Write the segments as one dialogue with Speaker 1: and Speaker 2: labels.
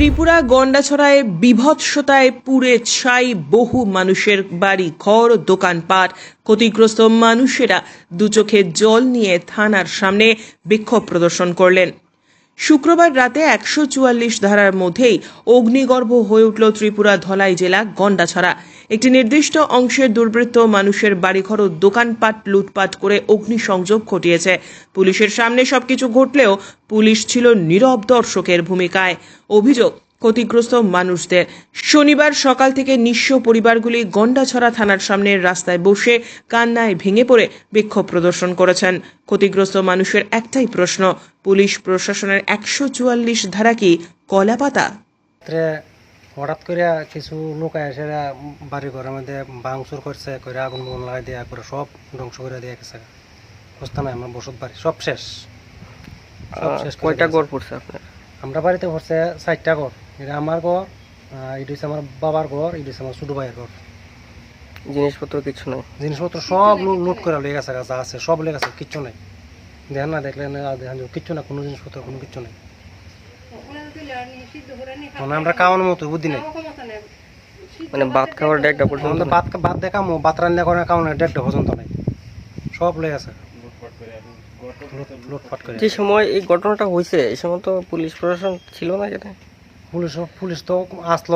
Speaker 1: ত্রিপুরা গন্ডাছড়ায় বিভৎসতায় পুড়ে ছাই বহু মানুষের বাড়ি ঘর দোকানপাট। ক্ষতিগ্রস্ত মানুষেরা দুচোখে জল নিয়ে থানার সামনে বিক্ষোভ প্রদর্শন করলেন। শুক্রবার রাতে ১৪৪ ধারার মধ্যেই অগ্নিগর্ভ হয়ে উঠল ত্রিপুরা ধলাই জেলা গন্ডাছড়া। একটি নির্দিষ্ট অংশের দুর্বৃত্ত মানুষের বাড়িঘর ও দোকানপাট লুটপাট করে অগ্নিসংযোগ ঘটিয়েছে। পুলিশের সামনে সবকিছু ঘটলেও পুলিশ ছিল নীরব দর্শকের ভূমিকায়। অভিযোগ, ক্ষতিগ্রস্ত মানুষদের শনিবার সকাল থেকে নিঃস্ব পরিবারগুলি গন্ডাছড়া থানার সামনের রাস্তায় বসে কান্নায় ভেঙে পড়ে বিক্ষোভ প্রদর্শন করেছেন। ক্ষতিগ্রস্ত মানুষের একটাই প্রশ্ন, পুলিশ প্রশাসনের ১৪৪ ধারা কি কলাপাতা?
Speaker 2: হঠাৎ করে কিছু লোক এসে বাড়ি ঘরের মধ্যে ভাঙচুর করছে, করে আগুন বগুন লাগাই দেওয়া করে সব ধ্বংস করে দিয়ে গেছে। বুঝতে নাই আমার বসত বাড়ি সব শেষ।
Speaker 3: কয়টা ঘর পড়ছে আপনার?
Speaker 2: আমরা বাড়িতে পড়ছে 4টা ঘর। এটা আমার ঘর, এটা হচ্ছে আমার বাবার ঘর, এটা হচ্ছে আমার ছোটো ভাইয়ের ঘর।
Speaker 3: জিনিসপত্র কিছু নাই?
Speaker 2: জিনিসপত্র সব লুট করে লেগে গেছে, যা আছে সব লেগে গেছে, কিচ্ছু নাই। দেখেন না, দেখলেন দেখেন কিচ্ছু না, কোনো জিনিসপত্র কোনো কিচ্ছু নেই। মানে আমরা খাওয়ানোর মতো বুদ্ধি নেই।
Speaker 3: মানে ভাত খাওয়ার ডেকটা পর্যন্ত?
Speaker 2: ভাত দেখামো, ভাত রান্না করে খাওয়ানোর ডেকটা পর্যন্ত নাই, সব লেগে গেছে লুটপাট করে।
Speaker 3: যে সময় এই ঘটনাটা হয়েছে এই সময় তো পুলিশ প্রশাসন ছিল না এখানে?
Speaker 2: পুলিশ তো আসলো।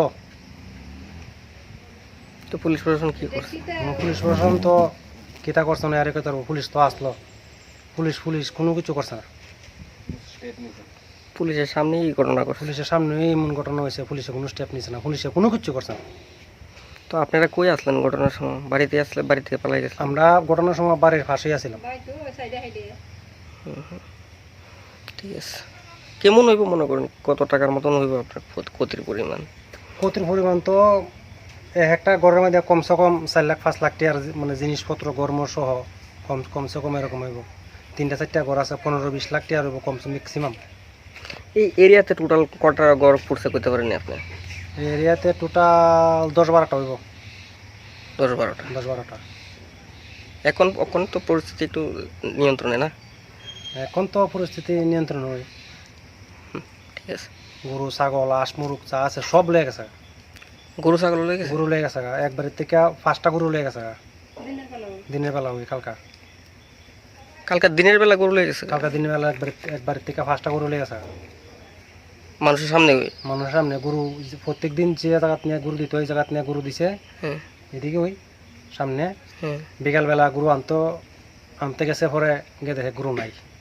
Speaker 3: তো পুলিশ প্রশাসন কি করছে?
Speaker 2: পুলিশ প্রশাসন তো কিতা করছে না, আর কথা পুলিশ তো আসলো, পুলিশ কোনো কিছু করছে না।
Speaker 3: পুলিশের সামনেই এই ঘটনা করছে?
Speaker 2: পুলিশের সামনে এমন ঘটনা হয়েছে, পুলিশে কোনো স্টেপ নিচ্ছে না, পুলিশে কোনো কিছু করছে না।
Speaker 3: তো আপনারা কই আসলেন ঘটনার সময়? বাড়িতে আসলে বাড়ি থেকে পালাই গেছেন?
Speaker 2: আমরা ঘটনার সময় বাড়ির পাশেই আছিলাম।
Speaker 3: ঠিক আছে, কেমন হইব মনে করেন? কত টাকার মতন হইব আপনার ক্ষতির পরিমাণ?
Speaker 2: ক্ষতির পরিমাণ তো একটা ঘরের মধ্যে কমসে কম 4 লাখ 5 লাখ টাকার মানে জিনিসপত্র গরম সহ কমসে কম এরকম হইব। 3টা 4টা ঘর আছে, 15-20 লাখ টাকা হইব কমসে ম্যাক্সিমাম।
Speaker 3: এই এরিয়াতে টোটাল কটা ঘর পড়ছে করতে পারেন আপনি?
Speaker 2: এই এরিয়াতে টোটাল 10-12টা হইব।
Speaker 3: 10-12টা? এখন তো পরিস্থিতি একটু নিয়ন্ত্রণে না?
Speaker 2: এখন তো পরিস্থিতি নিয়ন্ত্রণ হয়।
Speaker 3: ঠিক আছে।
Speaker 2: গরু ছাগল হাঁস মুরগ যা আছে সব লেগে গেছে।
Speaker 3: গরু ছাগল লেগে গেছে?
Speaker 2: গরু লেগে গেছে, একবারের থেকে 5টা গরু লেগে গেছে। দিনের বেলা ওই
Speaker 3: কালকা দিনের বেলা গরু লেগে গেছে?
Speaker 2: কালকা দিনের বেলা একবারের থেকে 5টা গরু লেগে গেছে
Speaker 3: মানুষের সামনে?
Speaker 2: মানুষের সামনে গরু প্রত্যেক দিন যে জায়গা নিয়ে গরু দিত ওই জায়গা নিয়ে গরু দিছে। এদিকে ওই সামনে বিকালবেলা গরু আনতে গেছে, পরে গিয়ে দেখে গরু নাই।